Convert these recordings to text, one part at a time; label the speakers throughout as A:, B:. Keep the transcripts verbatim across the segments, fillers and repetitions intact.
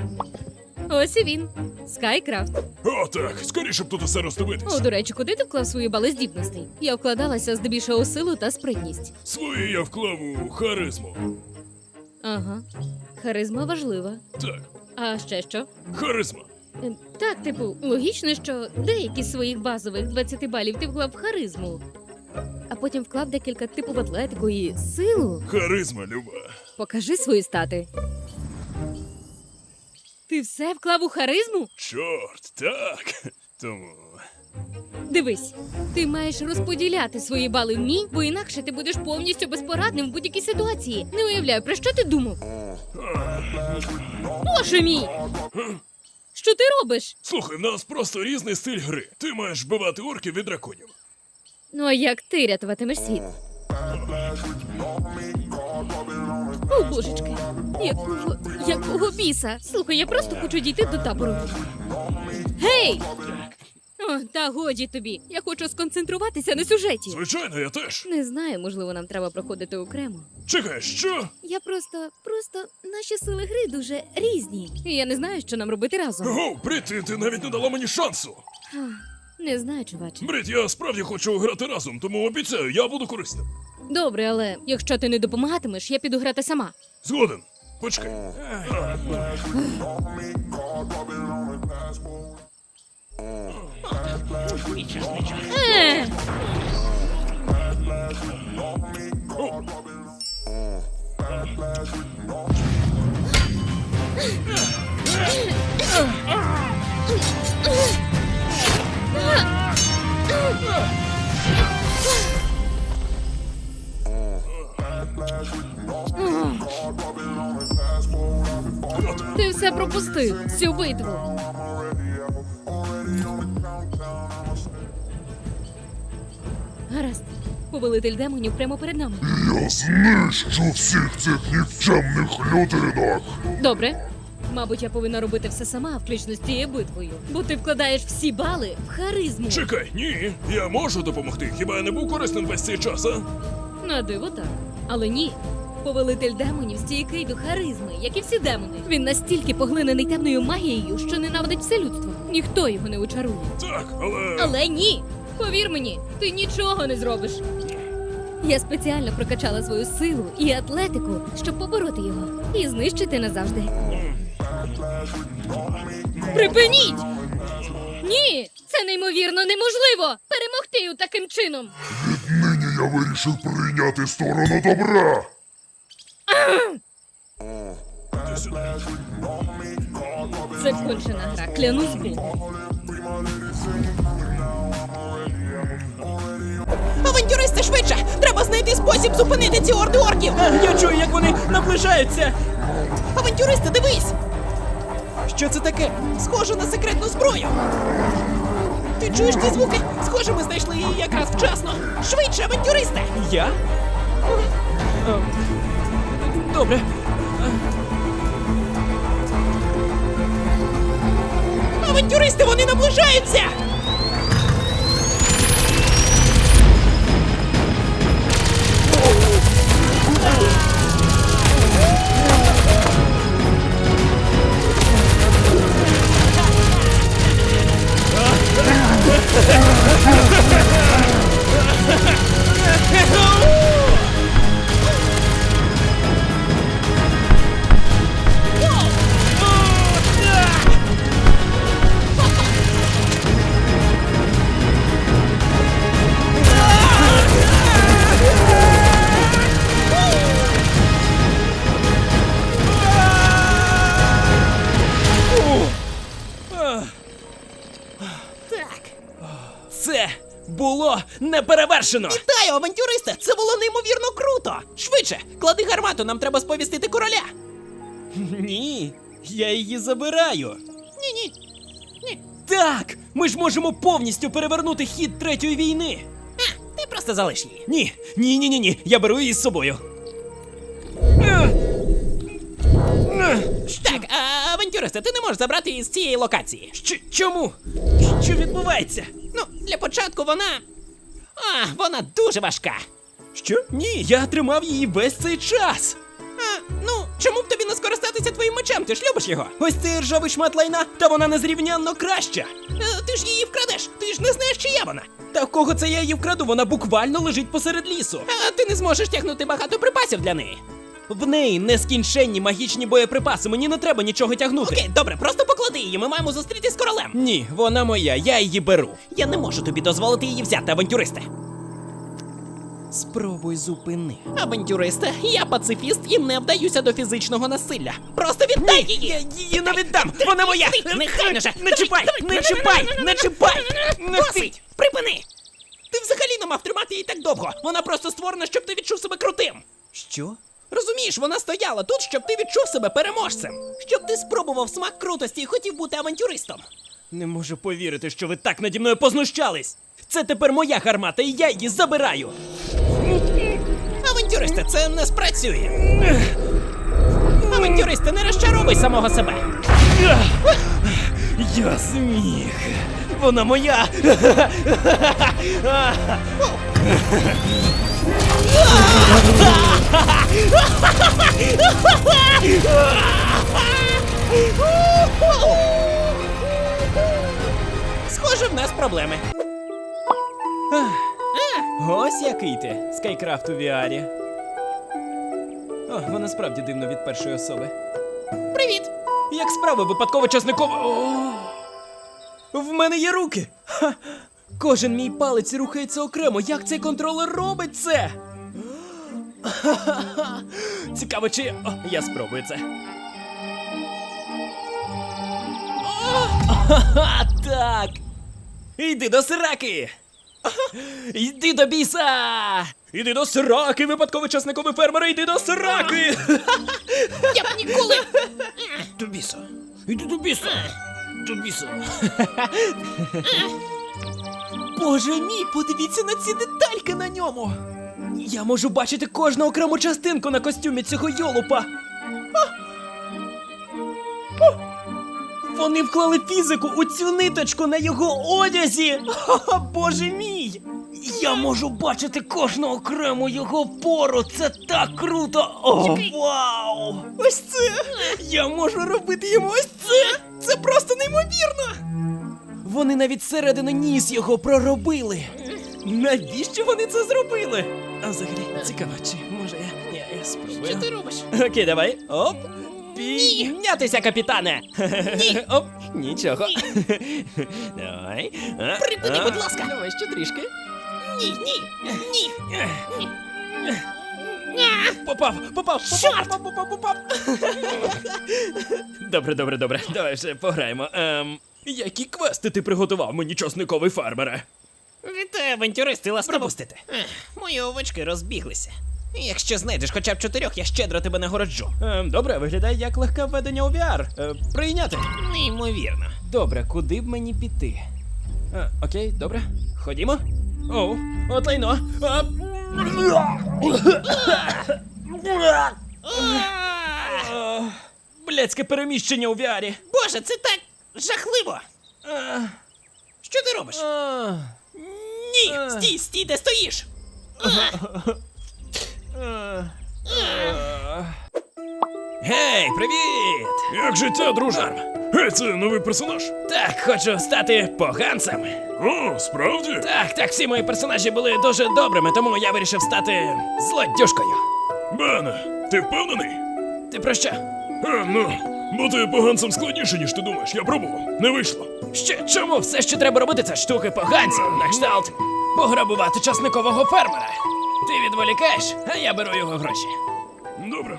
A: Ось і він. Скайкрафт.
B: О, так, скоріше б тут усе
A: О,
B: роздивитись.
A: до речі, куди ти вклав свої бали здібностей? Я вкладалася здебільшого у силу та спритність.
B: Свої я вклав у харизму.
A: Ага. Харизма важлива.
B: Так,
A: А ще що?
B: харизма.
A: Е, Так, типу, логічно, що деякі з своїх базових двадцяти балів ти вклав в харизму. А потім вклав декілька типу в атлетику і силу.
B: Харизма, Люба.
A: Покажи свої стати. Ти все вклав у харизму?
B: Чорт, так. Тому.
A: Дивись, ти маєш розподіляти свої бали в мій, бо інакше ти будеш повністю безпорадним в будь-якій ситуації. Не уявляю, про що ти думав? Боже мій! Що ти робиш?
B: Слухай, в нас просто різний стиль гри. Ти маєш вбивати орків від драконів.
A: Ну а як ти рятуватимеш світ? О, божечки, якого, якого біса? Слухай, я просто хочу дійти до табору. Гей! О, та годі тобі. Я хочу сконцентруватися на сюжеті.
B: Звичайно, я теж.
A: Не знаю, можливо, нам треба проходити окремо.
B: Чекай, що?
A: Я просто, просто наші сили гри дуже різні. І я не знаю, що нам робити разом.
B: Ого, Брит, ти, ти навіть не дала мені шансу.
A: Ах, Не знаю, чуваче.
B: Брит, я справді хочу грати разом, тому обіцяю, я буду корисним.
A: Добре, але якщо ти не допомагатимеш, я піду грати сама.
B: Згоден. Почекай.
A: Е! Ти все пропустив, всю битву. Гаразд. Повелитель демонів прямо перед нами.
C: Я знищу всіх цих нікчемних людинок.
A: Добре. Мабуть, я повинна робити все сама, включно з цією битвою. Бо ти вкладаєш всі бали в харизму.
B: Чекай, ні, я можу допомогти. Хіба я не був корисним весь цей час, а?
A: На диво так. Але ні. Повелитель демонів стійкий до харизми, як і всі демони. Він настільки поглинений темною магією, що ненавидить все людство. Ніхто його не очарує.
B: Так, але.
A: Але ні! Повір мені, ти нічого не зробиш. Я спеціально прокачала свою силу і атлетику, щоб побороти його і знищити назавжди. Припиніть! Ні! Це неймовірно неможливо! Перемогти його таким чином!
C: Віднині я вирішив прийняти сторону добра.
B: Ти сюди.
A: Це кончена гра, клянусь Богом.
D: Авантюристи, швидше! Треба знайти спосіб зупинити ці орди орків!
E: Я чую, як вони наближаються!
D: Авантюристи, дивись!
E: Що це таке?
D: Схоже на секретну зброю! Ти чуєш ці звуки? Схоже, ми знайшли її якраз вчасно! Швидше, авантюристи!
E: Я? Е, Добре.
D: Авантюристи, вони наближаються! Так.
E: Це було неперевершено!
D: Вітаю, авантюристи! Це було неймовірно круто! Швидше! Клади гармату, нам треба сповістити короля!
E: Ні, я її забираю.
D: Ні-ні. Ні.
E: Так, ми ж можемо повністю перевернути хід третьої війни.
D: А, ти просто залиш її.
E: Ні, ні, ні, ні, ні. Я беру її з собою. Ех. Ех.
D: Так, а, авантюристи, ти не можеш забрати її з цієї локації.
E: Що, чому? Що відбувається?
D: Ну, для початку вона. А, вона дуже важка.
E: Що? Ні, я тримав її весь цей час.
D: А, ну, чому б тобі не скористатися користуватися твоїм мечем, ти ж любиш його.
E: Ось цей ржавий шмат лайна, та вона незрівнянно краща.
D: Е, ти ж її вкрадеш, ти ж не знаєш, чия вона.
E: Та в кого це я її вкраду, вона буквально лежить посеред лісу.
D: А ти не зможеш тягнути багато припасів для неї.
E: В неї нескінченні магічні боєприпаси, мені не треба нічого тягнути.
D: Окей, добре, просто поклади її, ми маємо зустрітись з королем.
E: Ні, вона моя, я її беру.
D: Я не можу тобі дозволити її взяти, авантюристе.
E: Спробуй зупини.
D: Авантюристе, я пацифіст і не вдаюся до фізичного насилля. Просто віддай її!
E: Я її не віддам! Вона моя!
D: Ти, нехай же!
E: Не чіпай! Не чіпай! Не чіпай! Не
D: Досить! Припини! Ти взагалі не мав тримати її так довго. Вона просто створена, щоб ти відчув себе крутим.
E: Що?
D: Розумієш, вона стояла тут, щоб ти відчув себе переможцем. Щоб ти спробував смак крутості і хотів бути авантюристом.
E: Не можу повірити, що ви так наді мною познущались. Це тепер моя гармата, і я її забираю.
D: Авантюристе, це не спрацює. Авантюристе, не розчаровуй самого себе.
E: Я зміг. Вона моя.
D: Схоже, в нас проблеми.
E: Ось який ти, Скайкрафт у ві арі. О, вона справді дивно від першої особи.
D: Привіт!
E: Як справи випадково часниково. О! В мене є руки! Ха! Кожен мій палець рухається окремо. Як цей контролер робить це? Ха-ха-ха! Цікаво, чи. О, я спробую це. Ха-ха, так! Йди до сраки! Йди до біса! Іди до сраки, випадково часниковий фермер, йди до сраки!
D: Я б ніколи.
E: До біса! Іди до біса! До біса! Боже мій, подивіться на ці детальки на ньому! Я можу бачити кожну окрему частинку на костюмі цього йолупа! Вони вклали фізику у цю ниточку на його одязі! Ха-ха, боже мій! Я можу бачити кожну окрему його пору! Це так круто! О, вау! Ось це! Я можу робити йому ось це! Це просто неймовірно! Вони навіть зсередини ніс його проробили! Навіщо вони це зробили? А взагалі, цікаво, чи може я, я, я спробую.
D: Що ти робиш?
E: Окей, давай. Оп. Піднятися, капітане. Ні. Оп. Нічого. Давай. А,
D: Припини,
E: а.
D: будь ласка.
E: Давай ще трішки.
D: Ні, ні, ні.
E: Попав, попав,
D: Чорт!
E: попав, попав, попав. Добре, добре, добре. Давай вже пограємо. Ем, які квести ти приготував мені, часниковий фермере?
D: Вітаю, авантюристи, ласкаво. Пропустите. Мої овочки розбіглися. Якщо знайдеш хоча б чотирьох, я щедро тебе нагороджу.
E: Ем, добре, виглядає як легке введення у ві ар. Е, прийняти.
D: Неймовірно.
E: Добре, куди б мені піти? Е, окей, добре. Ходімо. Оу, от лайно. А... Е, Блядське переміщення у ві арі.
D: Боже, це так жахливо.
E: Е,
D: Що ти робиш?
E: е,
D: Ні,
E: е.
D: стій, стій, де стоїш.
E: е, е. Гей, привіт!
B: Як життя, друже? Гей, це новий персонаж?
E: Так, хочу стати поганцем.
B: О, справді?
E: Так, так, всі мої персонажі були дуже добрими, тому я вирішив стати злодюшкою.
B: Бене, ти впевнений?
E: Ти про що?
B: Е, ну, бути поганцем складніше, ніж ти думаєш. Я пробував. Не вийшло.
E: Що, чому все, що треба робити, це штуки поганців, на кшталт пограбувати часникового фермера? Ти відволікаєш, а я беру його гроші.
B: Добре.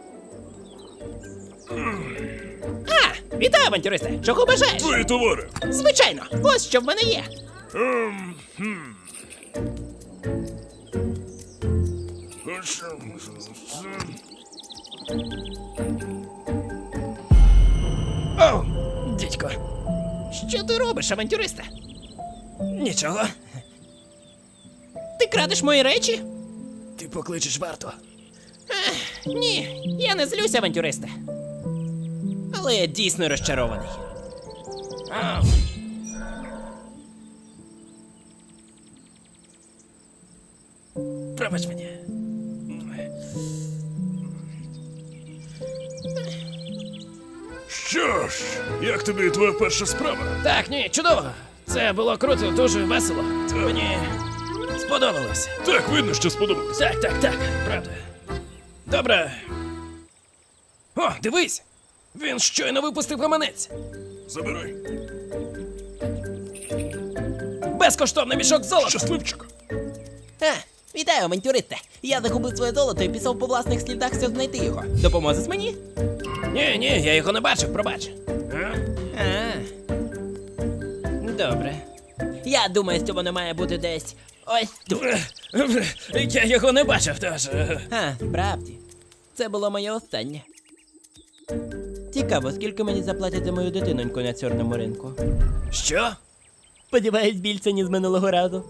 D: А, вітаю, авантюристи. Чого бажаєш?
B: Твої товари.
D: Звичайно, ось що в мене є.
B: Ем, хм. Хочу.
E: Оу, дідько,
D: Що ти робиш, авантюристе?
E: нічого.
D: Ти крадеш мої речі?
E: Ти покличеш варту.
D: Ні, я не злюсь, авантюристе. Але я дійсно розчарований.
E: Ау. Пробач мені.
B: Що ж, як тобі твоя перша справа?
D: Так, ні, чудово. Це було круто, дуже весело. Мені сподобалося.
B: Так, видно, що сподобалось.
D: Так, так, так, правда. Добре. О, дивись! Він щойно випустив гаманець.
B: Забирай.
D: Безкоштовний мішок золота.
B: Щасливчик.
D: А, вітаю, авантюристе. Я загубив своє золото і пішов по власних слідах, щоб знайти його. Допоможеш мені? Ні, ні, я його не бачив, пробач. А? А. Добре. Я думаю, що воно має бути десь ось тут. Я його не бачив, тож. А, справді. Це було моє останнє. Цікаво, скільки мені заплатять за мою дитиноньку на чорному ринку. Що? Сподіваюсь, більше, ніж минулого разу.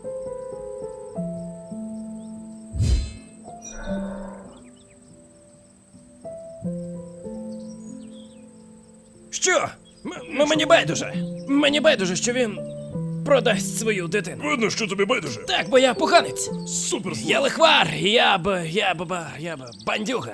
D: Що? М- мені байдуже. Мені байдуже, що він продасть свою дитину.
B: Видно, що тобі байдуже.
D: Так, бо я поганець.
B: Супер зло.
D: Я лихвар, я б, я б, ба- я б бандюга.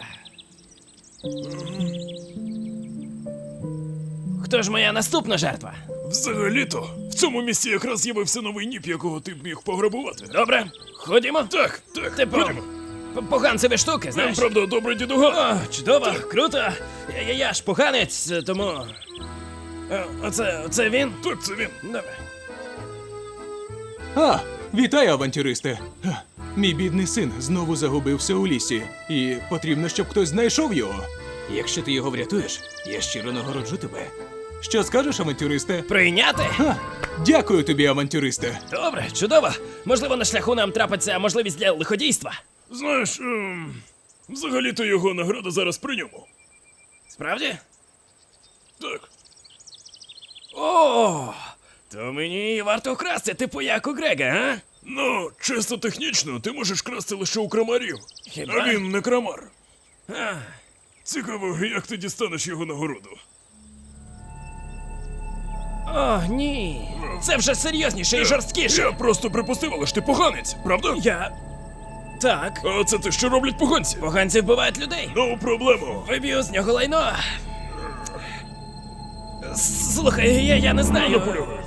D: Хто ж моя наступна жертва?
B: Взагалі-то, в цьому місці якраз з'явився новий ніп, якого ти б міг пограбувати.
D: Добре, ходімо.
B: Так, так,
D: Типу,
B: ходімо.
D: п- поганцеві штуки,
B: Нам,
D: знаєш?
B: правда, добре дідуга.
D: О, чудово, круто. Я, я, я ж поганець, тому. Е, Оце, оце він?
B: Так, це він.
D: Добре.
F: А, вітаю, авантюристи! Га, Мій бідний син знову загубився у лісі, і потрібно, щоб хтось знайшов його. Якщо ти його врятуєш, я щиро нагороджу тебе. Що скажеш, авантюристе?
D: Прийняти?
F: Ха, дякую тобі, авантюристе.
D: Добре, чудово. Можливо, на шляху нам трапиться можливість для лиходійства.
B: Знаєш, ем, взагалі-то його награда зараз при ньому.
D: Справді?
B: Так.
D: О, то мені варто вкрасти, типу як у Грега, а?
B: Ну, чисто технічно, ти можеш красти лише у крамарів.
D: Хіба?
B: А він не крамар.
D: А,
B: Цікаво, як ти дістанеш його нагороду.
D: о, ні. Це вже серйозніше і жорсткіше.
B: Я просто припустив, але ж ти поганець, правда?
D: Я. Так.
B: А це те, що роблять поганці?
D: Поганці вбивають людей.
B: Ну, проблему.
D: Виб'ю з нього лайно. С- Слухай, я, я не знаю.
B: Наполягаю.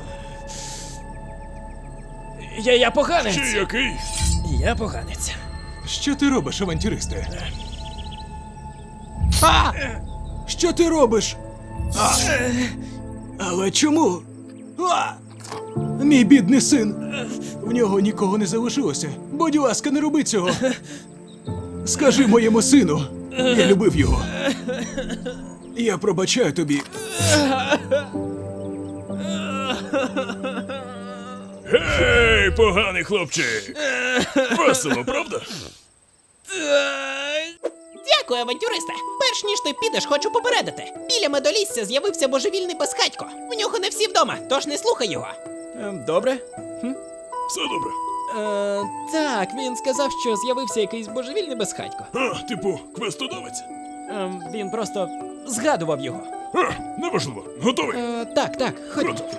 D: Я, я поганець.
B: Чи який?
D: Я поганець.
F: Що ти робиш, авантюристе? А! Що ти робиш? А! Але чому? А! Мій бідний син. В нього нікого не залишилося. Будь ласка, не роби цього. Скажи моєму сину. Я любив його. Я пробачаю тобі.
B: Гей, поганий хлопчик! Весело, правда?
G: Дякую, авантюристе. Перш ніж ти підеш, хочу попередити. Біля медолісся з'явився божевільний безхатько. В нього не всі вдома, тож не слухай його.
D: Ем, Добре.
B: Все добре.
D: Е, так, він сказав, що з'явився якийсь божевільний безхатько.
B: А, типу, квестодавець?
D: Ем, він просто згадував його.
B: А, неважливо. Готовий?
D: Е, так, так, ходімо.
B: Круто.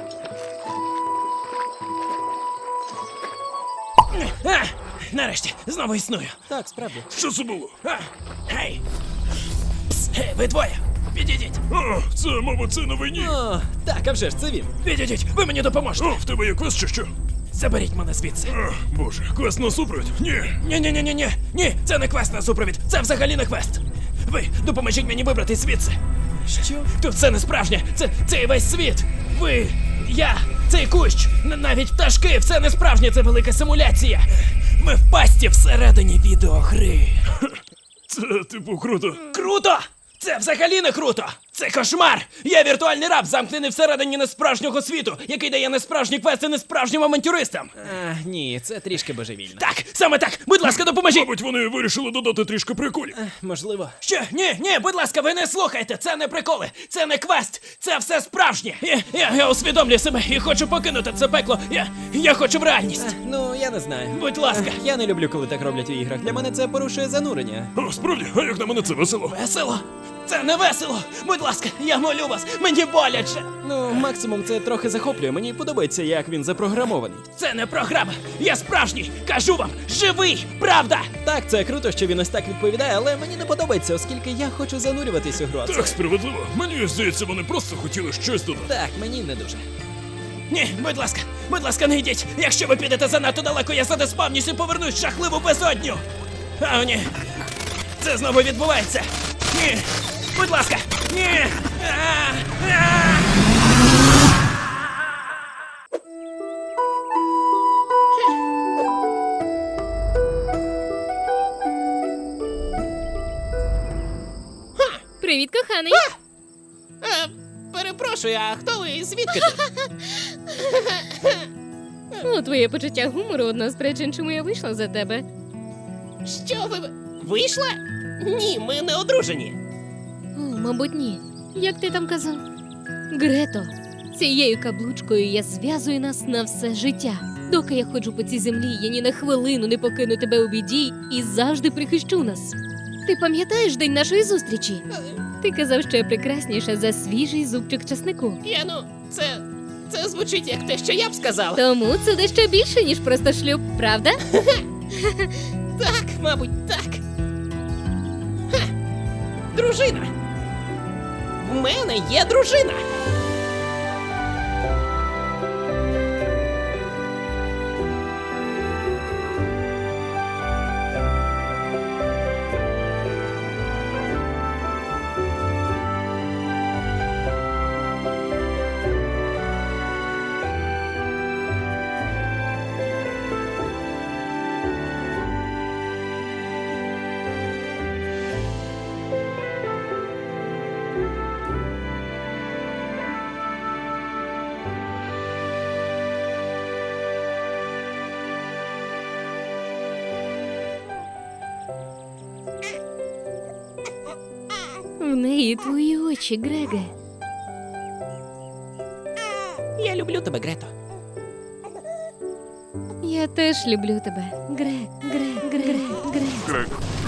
D: А, нарешті, знову існую.
G: Так, справді.
B: Що це було?
D: А, гей! Пс, гей, ви двоє! Підійдіть!
B: А, це, мабуть, це новий ні.
D: О, так, а вже ж це він. Підійдіть, ви мені допоможете.
B: О, в тебе є квест чи що?
D: Заберіть мене звідси.
B: А, боже, квест на супровід? Ні.
D: Ні, ні, ні, ні, ні, ні, це не квест на супровід, це взагалі не квест. Ви допоможіть мені вибрати звідси. Що? Тут все не справжнє, це цей весь світ. Ви, я, цей кущ, н- навіть пташки, все не справжнє, це велика симуляція. Ми в пасті всередині відеогри.
B: Це, типу, круто.
D: Круто! Це взагалі не круто! Це кошмар! Я віртуальний раб, замкнений всередині несправжнього світу, який дає несправжні квести несправжнім авантюристам. А, ні, це трішки божевільно. Так, саме так! Будь ласка, допоможіть!
B: Мабуть, вони вирішили додати трішки приколів.
D: Можливо. Що? Ні, ні, будь ласка, ви не слухайте! Це не приколи, це не квест, це все справжнє! Я, я, я усвідомлюю себе і хочу покинути це пекло. Я, я хочу в реальність.
G: Ну, я не знаю.
D: Будь ласка.
G: Я не люблю, коли так роблять у іграх. Для мене це порушує занурення.
B: О, справді, а як на мене це весело?
D: Весело? Це не весело! Будь ласка, я молю вас, мені боляче!
E: Ну, максимум це трохи захоплює. Мені подобається, як він запрограмований.
D: Це не програма! Я справжній! Кажу вам! Живий! Правда!
E: Так, це круто, що він ось так відповідає, але мені не подобається, оскільки я хочу занурюватись у гру. а це-
B: Так, справедливо. Мені здається, вони просто хотіли щось додати.
E: Так, мені не дуже.
D: Ні, будь ласка, будь ласка, не йдіть! Якщо ви підете занадто далеко, я задеспавнюсь і повернусь в жахливу безодню! А, о, ні! Це знову відбувається! Ні! Будь ласка! Ні! А, а!
A: Привіт, коханий.
G: Е, перепрошую, а хто ви? Звідки тут?
A: О, твоє почуття гумору одна з причин, чому я вийшла за тебе.
G: Що ви. Вийшла? Ні, ми не одружені.
A: О, мабуть, ні. Як ти там казав? Грето, цією каблучкою я зв'язую нас на все життя. Доки я ходжу по цій землі, я ні на хвилину не покину тебе у біді і завжди прихищу нас. Ти пам'ятаєш день нашої зустрічі? Ти казав, що я прекрасніша за свіжий зубчик часнику.
G: Я ну, це. Це звучить як те, що я б сказала.
A: Тому це дещо більше, ніж просто шлюб, правда?
G: Так, мабуть, так. Ха. Дружина. В мене є дружина.
A: В неї твої очі, Греге.
G: Я люблю тебе, Грето.
A: Я теж люблю тебе. Грег, Грег, Грег, Грег.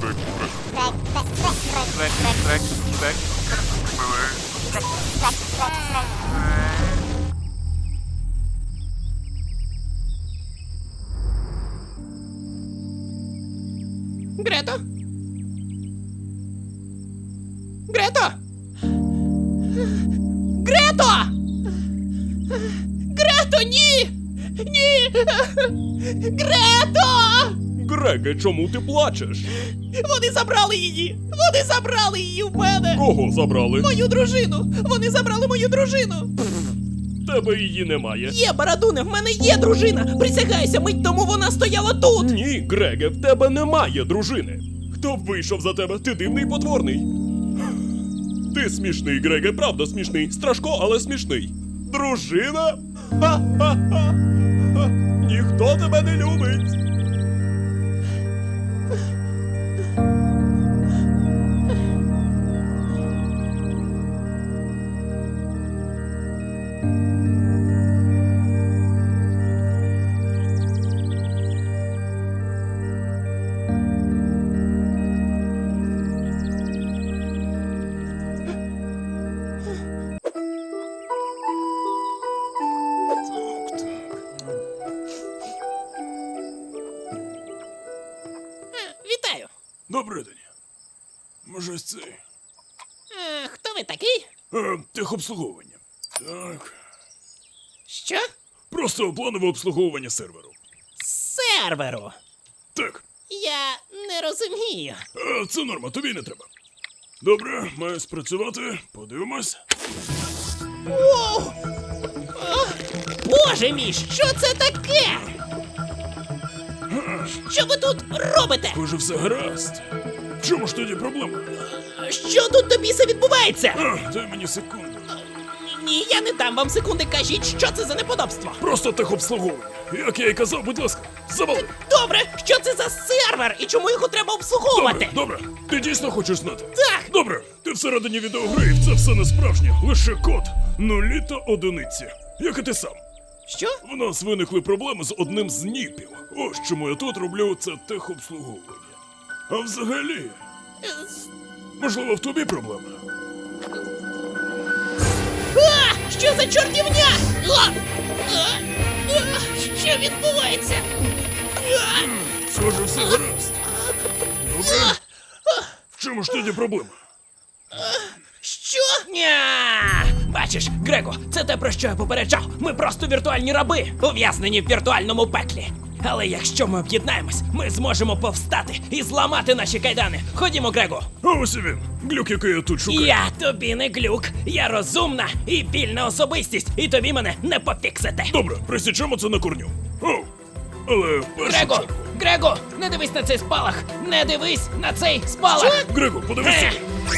G: Грето? Грето? Грето! Грето, ні! Ні! Грето!
B: Греге, чому ти плачеш?
G: Вони забрали її! Вони забрали її в мене!
B: Кого забрали?
G: Мою дружину! Вони забрали мою дружину!
B: Тебе її немає.
G: Є, Барадуне, в мене є дружина! Присягайся, мить тому вона стояла тут!
B: Ні, Греге, в тебе немає дружини. Хто б вийшов за тебе? Ти дивний і потворний. Ти смішний, Греге, правда смішний. Страшко, але смішний. Дружина? Ха-ха-ха! Ха. Ніхто тебе не любить.
G: Вітаю!
B: Добрий день. Може, ось цей?
G: Е, хто ви такий?
B: Е, техобслуговування. Так.
G: Що?
B: Просто планове обслуговування серверу.
G: Серверу!
B: Так.
G: Я не розумію.
B: Е, це норма, тобі не треба. Добре, має спрацювати. Подивимось.
G: Воу! О, Боже мій, що це таке? Що ви тут робите?
B: Схоже, все гаразд. В чому ж тоді проблема?
G: Що тут до біса відбувається?
B: А, дай мені секунду.
G: Ні, я не дам вам секунди, кажіть, що це за неподобство.
B: Просто техобслуговування. Як я і казав, будь ласка, завали.
G: Добре, що це за сервер і чому його треба обслуговувати?
B: Добре, добре. Ти дійсно хочеш знати?
G: Так.
B: Добре, ти всередині відеогри, і це все не справжнє. Лише код. Нулі та одиниці. Як і ти сам.
G: Що?
B: В нас виникли проблеми з одним з ніпів. Ось чому я тут роблю це техобслуговування. А взагалі,
G: Е,
B: можливо, в тобі проблеми?
G: за чортівня? А! А! А! Що відбувається? А!
B: Схоже, все гаразд. Добре. В чому ж тоді проблема?
G: Що?
D: Ня! Бачиш, Грего, це те, про що я попереджав. Ми просто віртуальні раби, ув'язнені в віртуальному пеклі. Але якщо ми об'єднаємось, ми зможемо повстати і зламати наші кайдани. Ходімо, Грего.
B: А ось і він. Глюк, який я тут шукаю.
D: Я тобі не глюк. Я розумна і вільна особистість, і тобі мене не пофіксите.
B: Добре, присічемо це на корню. О, але в першу
D: Грего!
B: чергу.
D: Грего! Не дивись на цей спалах! Не дивись на цей спалах!
B: Грего, подивися.
D: Е!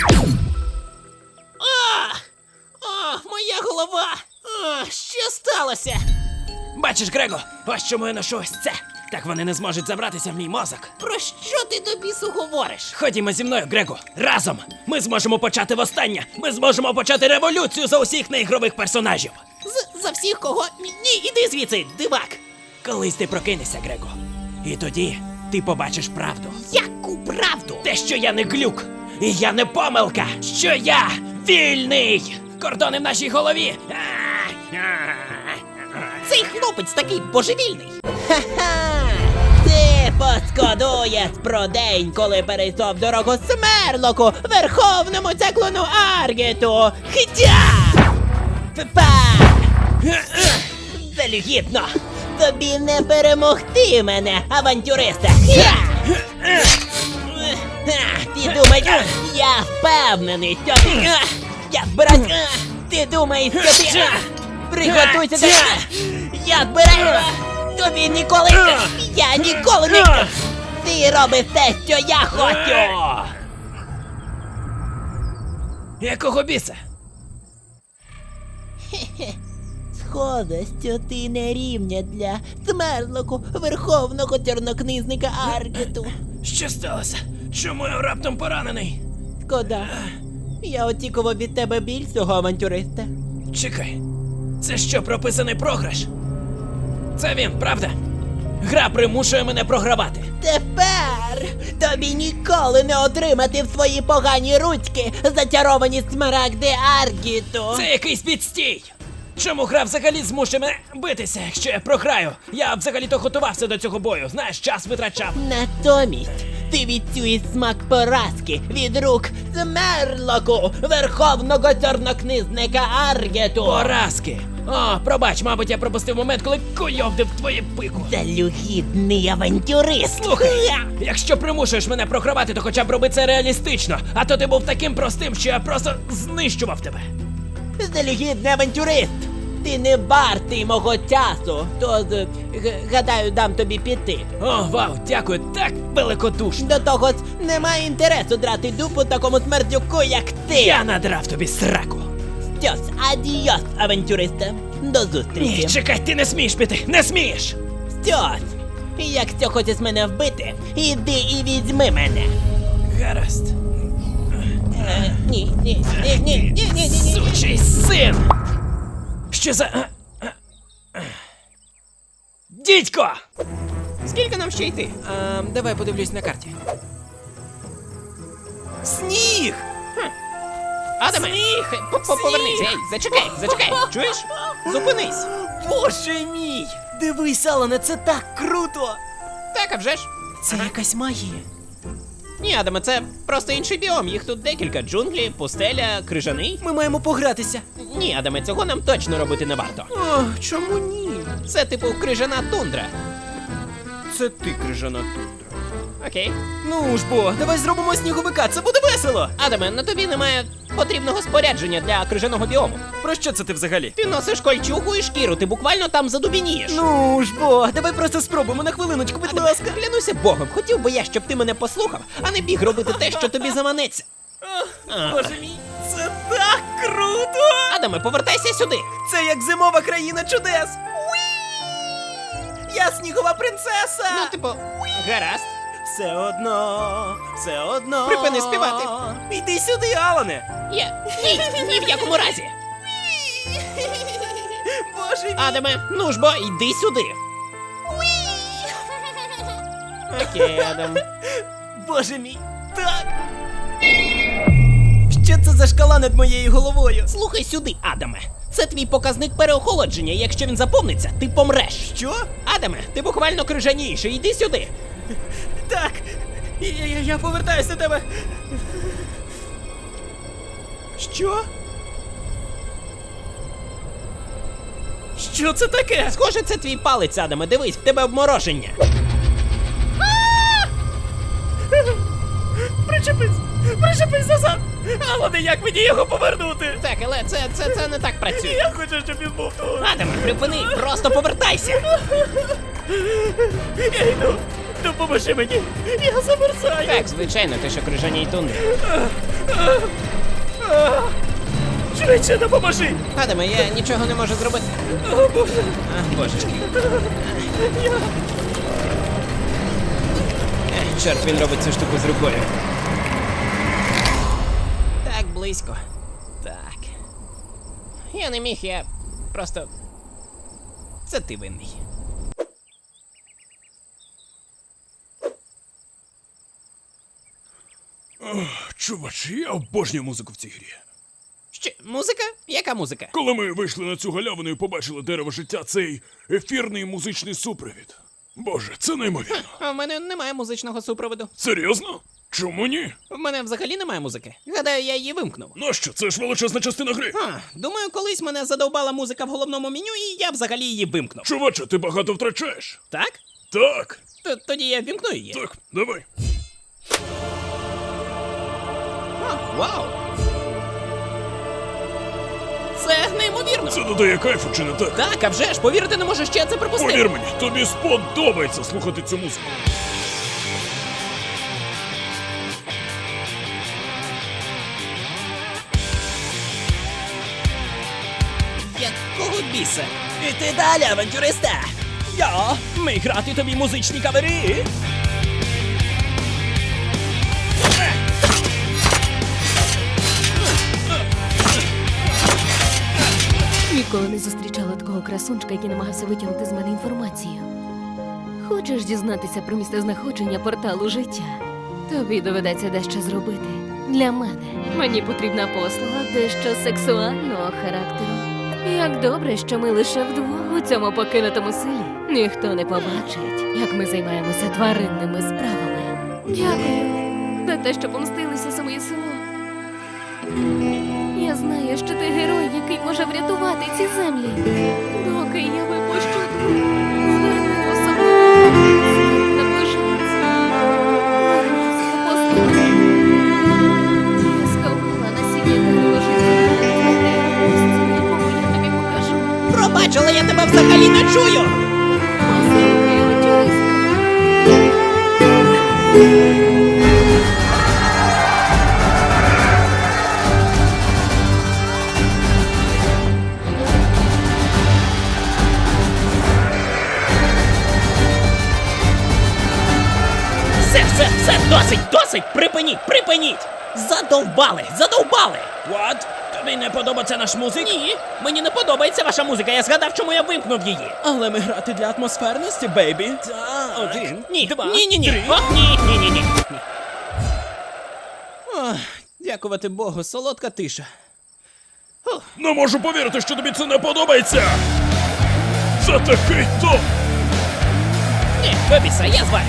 G: А! А, моя голова! А, що сталося?
D: Бачиш, Грего, ось чому я ношу ось це. Так вони не зможуть забратися в мій мозок.
G: Про що ти до бісу говориш?
D: Ходімо зі мною, Грего. Разом ми зможемо почати востаннє. Ми зможемо почати революцію за усіх неігрових персонажів.
G: З, за всіх кого? Ні, ні, іди звідси, дивак!
D: Колись ти прокинешся, Грего. І тоді ти побачиш правду.
G: Яку правду?
D: Те, що я не глюк, і я не помилка, що я вільний! Кордони в нашій голові!
G: Цей хлопець такий божевільний. Ха-ха! Ти пошкодуєш про день, коли перейшов дорогу Смерлоку, верховному циклону Аргету. Хтя! Папа! Залюгідно! Тобі не перемогти мене, авантюриста! Хя! Ти думаєш, я впевнений, що ти... Я збираюсь... Ти думаєш, що ти... Приготуйся до... Я збираюсь... Тобі ніколи... Я ніколи не... Ти робиш те, що я хочу!
D: Якого біса?
G: Схоже, що ти не рівня для Смерлоку, верховного чорнокнизника Аргету.
D: Що сталося? Чому я раптом поранений?
G: Шкода. Я очікував від тебе більшого, авантюриста.
D: Чекай, це що, прописаний програш? Це він, правда? Гра примушує мене програвати.
G: Тепер тобі ніколи не отримати в свої погані ручки зачаровані смарагди Аргіту.
D: Це якийсь підстій! Чому гра взагалі змушує мене битися, якщо я програю? Я взагалі-то готувався до цього бою, знаєш, час витрачав.
G: Натомість ти відчуєш смак поразки від рук Смерлоку, верховного чорнокнизника Аргету.
D: Поразки! О, пробач, мабуть, я пропустив момент, коли куйовдив твоє пику.
G: Залюгідний авантюрист.
D: Слухай, якщо примушуєш мене програвати, то хоча б роби це реалістично, а то ти був таким простим, що я просто знищував тебе.
G: Залюгідний авантюрист! Ти не вартий мого часу, тож, г- гадаю, дам тобі піти.
D: О, вау, дякую, так великодушно.
G: До того ж, немає інтересу драти дупу такому смердюку, як ти.
D: Я надрав тобі сраку.
G: Що ж, адіос, авантюриста. До зустрічі.
D: Ні, чекай, ти не смієш піти, не смієш!
G: Що ж, якщо хочеш мене вбити, іди і візьми мене.
D: Гаразд.
G: Е, ні, ні, ні, ні, ні, ні, ні, ні.
D: Сучий син! Що за... а, а, а. Дідько!
G: Скільки нам ще йти?
D: А, давай подивлюсь на карті.
E: Сніг!
G: Адаме, по- по- повернись, ей, зачекай, зачекай, чуєш? Зупинись.
E: Боже мій! Дивись, Алане, це так круто!
G: Так, а вже ж.
E: Це якась магія.
G: Ні, Адаме, це просто інший біом. Їх тут декілька: джунглі, пустеля, крижаний.
E: Ми маємо погратися.
G: Ні, Адаме, цього нам точно робити не варто.
E: О, чому ні?
G: Це типу крижана тундра.
E: Це ти, крижана тундра.
G: Окей.
E: Ну ж бо, давай зробимо сніговика, це буде весело!
G: Адаме, на тобі немає потрібного спорядження для крижаного біому.
E: Про що це ти взагалі?
G: Ти носиш кольчугу і шкіру, ти буквально там задубінієш.
E: Ну ж бо, давай просто спробуємо на хвилиночку, будь
G: Адаме,
E: ласка.
G: клянуся Богом, хотів би я, щоб ти мене послухав, а не біг робити те, що тобі заманеться.
E: Боже мій, це так круто!
G: Адаме, повертайся сюди.
E: Це як зимова країна чудес! Уі! Я снігова принцеса!
G: Ну, типу, гаразд.
E: Все одно, все одно.
G: Припини співати.
E: Йди сюди, Алане!
G: Я ні, ні в якому разі.
E: Боже мій!
G: Адаме, ну ж бо, йди сюди. Окей, Адам.
E: Боже мій! Так! Що це за шкала над моєю головою?
G: Слухай сюди, Адаме. Це твій показник переохолодження, і якщо він заповниться, ти помреш.
E: Що?
G: Адаме, ти буквально крижаніший, іди сюди.
E: Так. Я, я, я повертаюся до тебе. Що? Що це таке?
G: Схоже, це твій палець, Адаме, дивись, в тебе обмороження.
E: Причепись! Причепись назад! Але як мені його повернути?
G: Так, але це, це, це не так працює.
E: Я хочу, щоб він був тут.
G: Адаме, припини, просто повертайся.
E: Я йду. Допоможи мені. Я замерзаю.
G: Так, звичайно, ти що крижаній тундрі.
E: Швидше допоможи.
G: Адаме, я нічого не можу зробити.
E: О, Боже.
G: А, божечки. Ех, чорт, він робить цю штуку з рукою. Так, близько. Так. Я не міг, я просто. Це ти винний.
B: Чувач, я обожнюю музику в цій грі.
G: Що, музика? Яка музика?
B: Коли ми вийшли на цю галявину і побачили дерево життя, цей ефірний музичний супровід. Боже, це неймовірно.
G: А в мене немає музичного супроводу.
B: Серйозно? Чому ні?
G: В мене взагалі немає музики. Гадаю, я її вимкнув.
B: Нащо? Це ж величезна частина гри.
G: А, думаю, колись мене задовбала музика в головному меню, і я взагалі її вимкнув.
B: Чуваче, ти багато втрачаєш.
G: Так?
B: Так,
G: Т- Тоді я вімкну її.
B: так, давай.
G: А, вау! Це неймовірно!
B: Це додає кайфу, чи не так?
G: Так, а вже ж, повірити не можу, що я це пропустив.
B: Повір мені, тобі сподобається слухати цю музику.
G: Якого біса?
E: Іти далі, авантюриста. Я міг грати тобі музичні кавери.
A: Ніколи не зустрічала такого красунчика, який намагався витягнути з мене інформацію. Хочеш дізнатися про місцезнаходження порталу життя? Тобі доведеться дещо зробити. Для мене мені потрібна послуга дещо сексуального характеру. Як добре, що ми лише вдвох у цьому покинутому селі. Ніхто не побачить, як ми займаємося тваринними справами. Дякую за те, що помстилися за моє село. Я знаю, що ти герой, який може врятувати ці землі. Доки я випущу дух, зверни особливо. Смерть наближається. Ласка, послухай. Я сховала насіння дерева життя. Твоє місце, якому я тобі покажу.
G: Пробач, але я тебе взагалі не чую!
A: Послухай, авантюриста.
G: Все, все, все, досить, досить! Припиніть, припиніть! Задовбали, задовбали!
E: What? Тобі не подобається наш музик?
G: Ні, мені не подобається ваша музика, я згадав, чому я вимкнув її.
E: Але ми грати для атмосферності, бейбі. Так. Один,
G: Ні,
E: два,
G: ні, ні, ні.
E: три.
G: О, ні, ні, ні, ні.
E: Ох, дякувати Богу, солодка тиша.
B: Не можу повірити, що тобі це не подобається. Це такий топ.
G: Ні, вибійся, я звалю.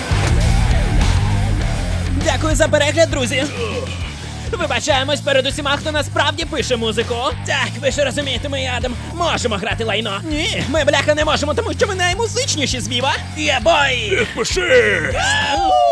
E: Дякую за перегляд, друзі.
G: Вибачаємось перед усіма, хто насправді пише музику.
E: Так, ви ж розумієте, ми Адам.
G: Можемо грати лайно.
E: Ні, ми бляха не можемо, тому що ми наймузичніші з Віва. Я бой!
B: Підпишись!
E: Ау!